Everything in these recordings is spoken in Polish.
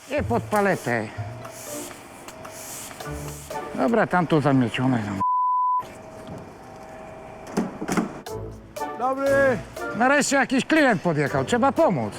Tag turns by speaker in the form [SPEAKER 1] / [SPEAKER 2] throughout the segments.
[SPEAKER 1] Nie pod paletę. Dobra, tam to zamiecione.
[SPEAKER 2] Dobry.
[SPEAKER 1] Nareszcie jakiś klient podjechał, trzeba pomóc.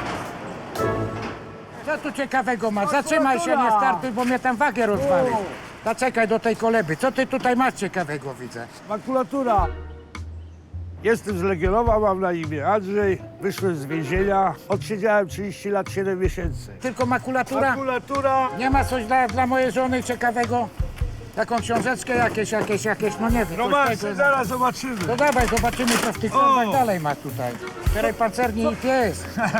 [SPEAKER 1] Co tu ciekawego ma? Zatrzymaj się, nie startuj, bo mnie tam wagę rozwali. Zaczekaj do tej koleby. Co ty tutaj masz ciekawego, widzę?
[SPEAKER 2] Makulatura. Jestem z Legionowa, mam na imię Andrzej. Wyszłem z więzienia. Odsiedziałem 30 lat, 7 miesięcy.
[SPEAKER 1] Tylko makulatura?
[SPEAKER 2] Makulatura.
[SPEAKER 1] Nie ma coś dla mojej żony ciekawego? Taką książeczkę jakieś, no nie wiem.
[SPEAKER 2] No
[SPEAKER 1] coś
[SPEAKER 2] masz,
[SPEAKER 1] tego.
[SPEAKER 2] zaraz zobaczymy.
[SPEAKER 1] No dawaj, zobaczymy, co w tych torbach dalej ma tutaj. Czterej pancerni i pies.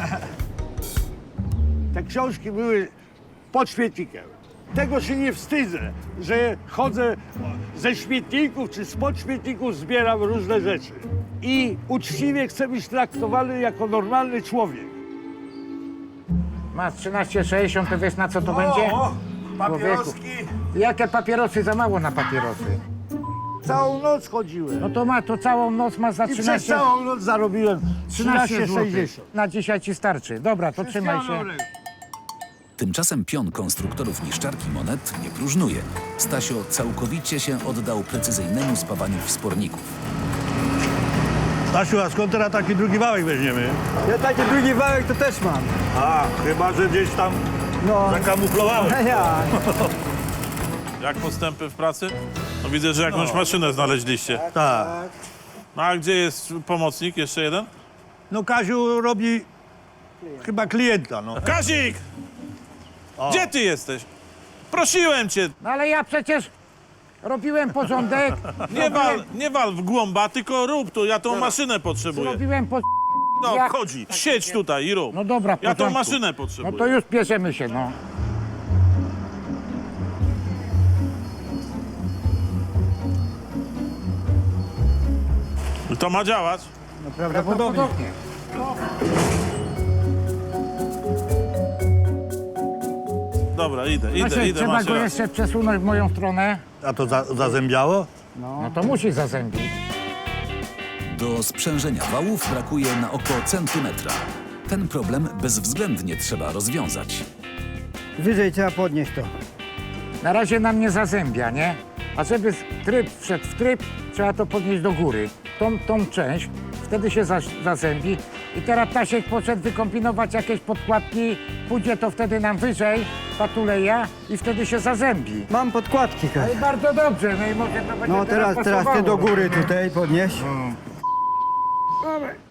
[SPEAKER 2] Te książki były pod śmietnikiem. Tego się nie wstydzę, że chodzę ze śmietników czy spod śmietników, zbieram różne rzeczy. I uczciwie chcę być traktowany jako normalny człowiek.
[SPEAKER 1] Masz 13,60, to wiesz na co to będzie?
[SPEAKER 2] papieroski.
[SPEAKER 1] Jakie papierosy? Za mało na papierosy.
[SPEAKER 2] Całą noc chodziłem.
[SPEAKER 1] No to całą noc masz za
[SPEAKER 2] I przez
[SPEAKER 1] 13...
[SPEAKER 2] całą noc zarobiłem 13,60.
[SPEAKER 1] Na dzisiaj ci starczy. Dobra, to trzymaj się.
[SPEAKER 3] Tymczasem pion konstruktorów niszczarki monet nie próżnuje. Stasio całkowicie się oddał precyzyjnemu spawaniu wsporników.
[SPEAKER 4] Stasiu, a skąd teraz taki drugi wałek weźmiemy?
[SPEAKER 5] Ja taki drugi wałek to też mam.
[SPEAKER 4] A, chyba że gdzieś tam
[SPEAKER 5] No,
[SPEAKER 4] zakamuflowałeś.
[SPEAKER 5] ja.
[SPEAKER 6] Jak postępy w pracy? No widzę, że jakąś maszynę znaleźliście.
[SPEAKER 4] Tak.
[SPEAKER 6] No a gdzie jest pomocnik? Jeszcze jeden?
[SPEAKER 4] No Kaziu robi chyba klienta, no.
[SPEAKER 6] Kazik! Gdzie ty jesteś? Prosiłem cię,
[SPEAKER 1] No ale ja przecież robiłem porządek.
[SPEAKER 6] nie wal w głąba, tylko rób tu, ja tą maszynę potrzebuję.
[SPEAKER 1] Robiłem po...
[SPEAKER 6] No,
[SPEAKER 1] jak-
[SPEAKER 6] chodzi, siedź tutaj i rób.
[SPEAKER 1] No dobra, w
[SPEAKER 6] Ja tą
[SPEAKER 1] porządku.
[SPEAKER 6] maszynę
[SPEAKER 1] No
[SPEAKER 6] potrzebuję.
[SPEAKER 1] to już bierzemy się, no.
[SPEAKER 6] To ma działać.
[SPEAKER 5] No prawdopodobnie.
[SPEAKER 1] Podobnie.
[SPEAKER 6] Dobra, idę,
[SPEAKER 1] Właśnie,
[SPEAKER 6] idę,
[SPEAKER 1] trzeba
[SPEAKER 6] masz
[SPEAKER 1] go
[SPEAKER 6] rację.
[SPEAKER 1] jeszcze przesunąć w moją stronę.
[SPEAKER 4] A to zazębiało?
[SPEAKER 1] No to musi zazębić.
[SPEAKER 3] Do sprzężenia wałów brakuje na około centymetra. Ten problem bezwzględnie trzeba rozwiązać.
[SPEAKER 5] Wyżej trzeba podnieść to.
[SPEAKER 1] Na razie nam nie zazębia, nie? A żeby tryb wszedł w tryb, trzeba to podnieść do góry. Tą część, wtedy się zazębi. I teraz Tasiek poszedł wykombinować jakieś podkładki, pójdzie to wtedy nam wyżej, patuleja i wtedy się zazębi.
[SPEAKER 5] Mam podkładki,
[SPEAKER 1] No
[SPEAKER 5] Kaś.
[SPEAKER 1] i bardzo dobrze, no i może to będzie
[SPEAKER 5] No teraz ty
[SPEAKER 1] pasowało,
[SPEAKER 5] do góry
[SPEAKER 1] rozumiesz?
[SPEAKER 5] tutaj podnieś.
[SPEAKER 1] Dobra.